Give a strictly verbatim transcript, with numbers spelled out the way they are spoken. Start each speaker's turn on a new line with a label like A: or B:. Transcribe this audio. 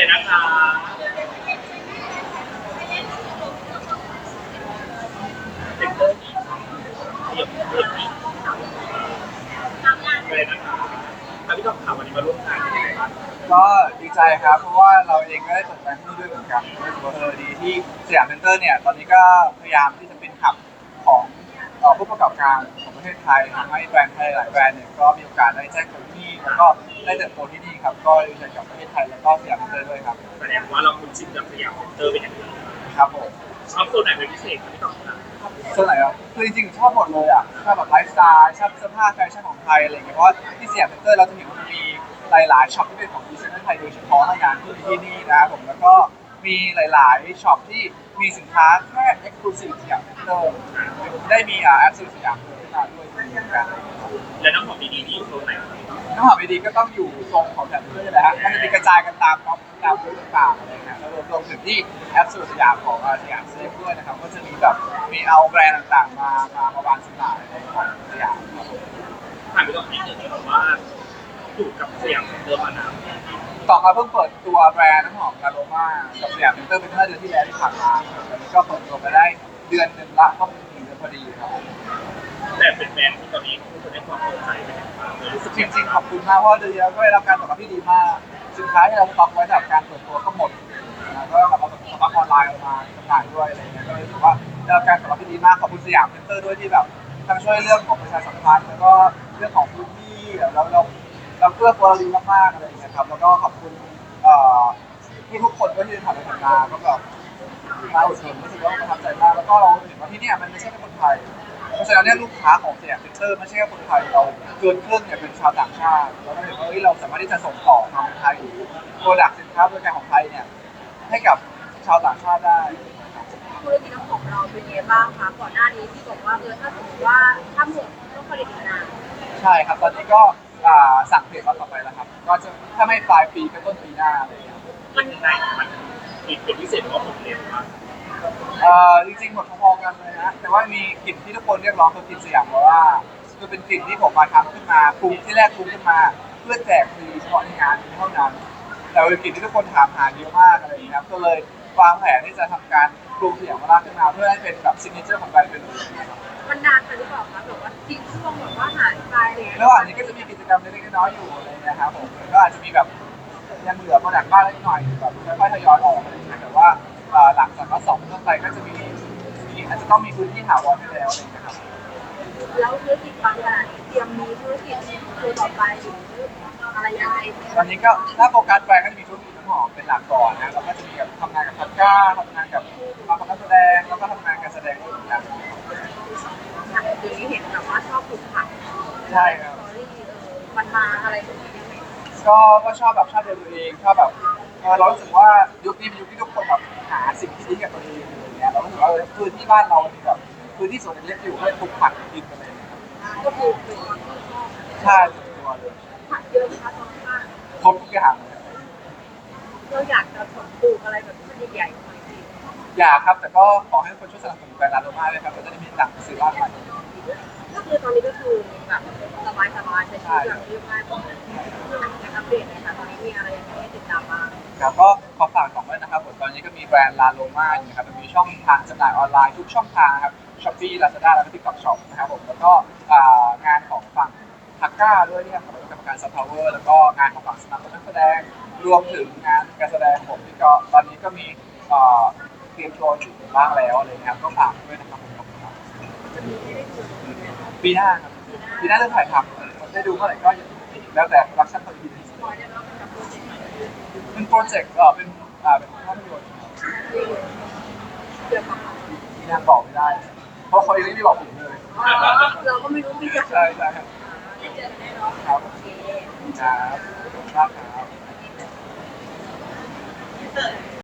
A: เลยนะคะเซ็นเตอร์นี้ขยับขยับนี้เลยนะคะแล้วพี่ต้องถามวันนี้มาร่วมงานเป็นยังไงบ้าง
B: ก็ดีใจครับเพราะว่าเราเองก็ได้เปิดแบรนด์ที่นี่ด้วยเหมือนกันรู้สึกว่าเออดีที่สยามเซ็นเตอร์เนี่ยตอนนี้ก็พยายามที่จะเป็นหับของเอ่อผู้ประกอบการของประเทศไทยทำให้แบรนด์ไทยหลายแบรนด์เนี่ยก็มีโอกาสได้แจ้งเกิดที่นี่แล้วก็ได้เติบโตที่นี่ครับก็ดีใจกับประเทศไทยแล้วก็สยามเซ็นเตอร์ด้วยครับ
A: แสดงว่าเราคุ้นชินกับสยามเซ็นเตอร์เป็นอย่างดี
B: ครับผม
A: ชอบโซนไหนเป็นพิเศษครับพี่ต้องครับ
B: ส่วนไหนอ่ะคือจริงๆชอบหมดเลยอ่ะชอบแบบไลฟ์สไตล์ชอบเสื้อผ้าแฟชั่นของไทยอะไรอย่างเงี้ยเพราะว่าที่สยามเซ็นเตอร์เราจะเห็นว่ามันมีหลายๆช็อปที่เป็นของดีไซเนอร์ไทยโดยเฉพาะในงานที่ที่นี่นะครับผมแล้วก็มีหลายๆช็อปที่มีสินค้าแค่เอ็กซ์คลูซีฟสยามเซ็นเตอร์ได้มีอ่าแอปซื้อสยามเซ็นเตอร์ด้วยเหมือนกัน
A: แล้วน้องหอมดีๆนี่อยู่โซนไหนครับ
B: น้ำหอมดีๆก็ต้องอยู่ตรงของแถบนี้แหละฮะมันจะมีกระจายกันตามก๊อปตามรูปต่างๆอะไรนะแล้วรวมถึงที่แอปสุดสยามของสยามเซฟด้วยนะครับก็จะมีแบบมีเอาแบรนด์ต่างๆมามามาวางจำหน่ายในของสยามครับผม
A: ถามพี่ต้องนิดหนึ่งครับว่าอยู่กับสยามเซ็นเตอร์มานาน
B: ต่อมาเพิ่งเปิดตัวแบรนด์น้ำหอมคาโรมากับสยามเซ็นเตอร์เป็นเมื่อเดือนที่แล้วที่ผ่านมาตอนนี้ก็เปิดตัวไปได้เดือนหนึ่งละก็เป็นหนึ่งเดือนพอดีครับ
A: แต่เป็นแบรนด์ที่ตอนนี้ผู้คนให้ความสนใจเป็นอย่างมากเลยรู้สึก
B: จริงๆขอบคุณมากเพราะเดือนที่แล้วก็ได้รับการตอบรับที่ดีมากสินค้าที่เราสต็อกไว้สำหรับการเปิดตัวก็หมดนะก็แบบเราสต็อกออนไลน์ออกมาจำหน่ายด้วยอะไรเงี้ยก็เลยรู้สึกว่าได้รับการตอบรับที่ดีมากขอบคุณสยามเซ็นเตอร์ด้วยที่แบบทั้งช่วยเรื่องของประชาสัมพันธ์แล้วก็เรื่องของพื้นที่เราเราเราเพื่อตัวเราดีมากๆอะไรอย่างเงี้ยครับแล้วก็ขอบคุณเอ่อที่ทุกคนก็ที่ผ่านมาทำงานก็แบบมาอุดหนุนรู้สึกว่าประทับใจมากแล้วก็เราเห็นว่าที่นี่มันไม่ใช่แค่คนไทยเพราะฉะนั้นเนี่ยลูกค้าของสยามเซ็นเตอร์ไม่ใช่แค่คนไทยเราเกินครึ่งเนี่ยเป็นชาวต่างชาติเราก็เห็นว่าเราสามารถที่จะส่งต่อความเป็นไทยหรือโปรดักต์สินค้าบริการของไทยเนี่ยให้กับชาวต่างชาติได้
C: ธุรกิจน้ำหอมเราเป็นยังไงบ้างคะก่อนหน้านี้ที่บอกว่าเออถ้าสมมติว่าถ้าหมดต้องผลิตอีกนาน
B: ใช่ครับตอนนี้ก็สั่งผลิตมาต่อไปแล้วครับก็จะถ้าไม่ปลายปีก็ต้นปีหน้าอะไรอย่างเงี้ย
A: มันไหนมันมีเป็นพิเศษว่าผมเร็วมาก
B: เอ่อจริงๆหมดพอๆกันเลยนะแต่ว่ามีกลิ่นที่ทุกคนเรียกร้องคือกลิ่นสยามเพราะว่าคือเป็นกลิ่นที่ผมมาทำขึ้นมาปรุงที่แรกปรุงขึ้นมาเพื่อแจกฟรีเฉพาะในงานเท่านั้นแต่เป็นกลิ่นที่ทุกคนถามหาเยอะมากอะไรอย่างเงี้ยก็เลยวางแผนที่จะทำการปรุงสยามมาขึ้นมาเพื่อให้เป็นแบบซิกเนเจอร์ของแบรนด์เป็น
C: มันนานไปหรือเปล่าคะแบบว่าทิ้งช่วงแบบว่าหายไปเลย
B: ระหว่างนี้ก็จะมีกิจกรรมเล็กๆน้อยๆอยู่อะไรนะครับผมก็อาจจะมีแบบยังเหลือโปรดักต์บ้างเล็กน้อยแบบค่อยๆทยอยออกอะไรอย่างเงี้ยแต่ว่าหลังจากว่าสองต้นไปก็จะมีอาจจะต้องมีพื้นที่ถาวรให้แล้วอะไรอย่างเงี้ยครับ
C: แล้วธุรกิจบางอย่างเตรียมมีธุรกิจตัวต่อไปหรืออะไรยังไง
B: ตอนนี้ก็ถ้าโฟกัสไปก็จะมีธุรกิจน้ำหอมเป็นหลักก่อนนะแล้วก็จะมีกับทำงานกับพัดก้าทำงานกับมาประกอบแสดงแล้วก็ทำงานการแสดงด้วยเหมือนกัน
C: เดี๋ยวนี้เห็นแบบว่าชอบปลูกผัก
B: ใช่ครับ
C: มันมาอะไรตรงนี้ยังไง
B: ก็ก็ชอบแบบชอบตัวเองชอบแบบเรารู้สึกว่ายุคนี้เป็นยุคที่ทุกคนแบบหาสิ่งที่ดีกับตัวเองอย่างเงี้ยเรารู้สึกว่าพื้นที่บ้านเรามีแบบพื้นที่สวนเล็กอยู่ให้ปลูกผักกินกันเลย
C: ก็คือเป็นคนที่ชอบ
B: ใช่ส่วนตัวเลย
C: ผักเยอะนะคะตอนนี้
B: ครบทุกอย่าง
C: เราอยากจะปลูกอะไรแบบที่ใหญ่ๆหน่อยสิ
B: อยากครับแต่ก็ขอให้คนช่วยสนับสนุนแบรนด์ลาโดมาเลยครับเราจะได้มีตังค์ซื้อบ้านใหม่
C: ก็คือตอนนี้ก็คือแบบสบายๆใช้ชีวิตอย่างเรียบง่ายปกติการอัปเดตนะคะตอนนี้มีอะไรยังไงให้ติดตามบ้าง
B: ครับก็ขอฝากของด้วยนะครับผมตอนนี้ก็มีแบรนด์ลาโลมาอยู่นะครับมีช่องทางจำหน่ายออนไลน์ทุกช่องทางครับ Shopee Lazada แล้วก็ TikTok Shop นะครับผมแล้วก็งานของฝั่งทักก้าด้วยที่ทำกับกรรมการซัพพลายเวอร์แล้วก็งานของฝั่งสนับสนุนนักแสดงรวมถึงงานการแสดงผมที่ก็ตอนนี้ก็มีเตรียมตัวอยู่บ้างแล้วอะไรนะครับก็ฝากด้วยนะครับผมครับปีหน้าครับปีหน้าเริ่มถ่ายทำได้ดูเมื่อไหร่ก็แล้วแต่รักชั่นพอดีเป็นโปรเจกต์เออเป็นอ่าเป็นภาพยนตร์ที่ยังบอกไม่ได้เพราะเขายังไม่ได้บอกผมเลย
C: เราก็ไม่รู้ที่จะ
B: ใช่ใช่ครับครับ
C: โอเค
B: ครับขอบคุณมากครับ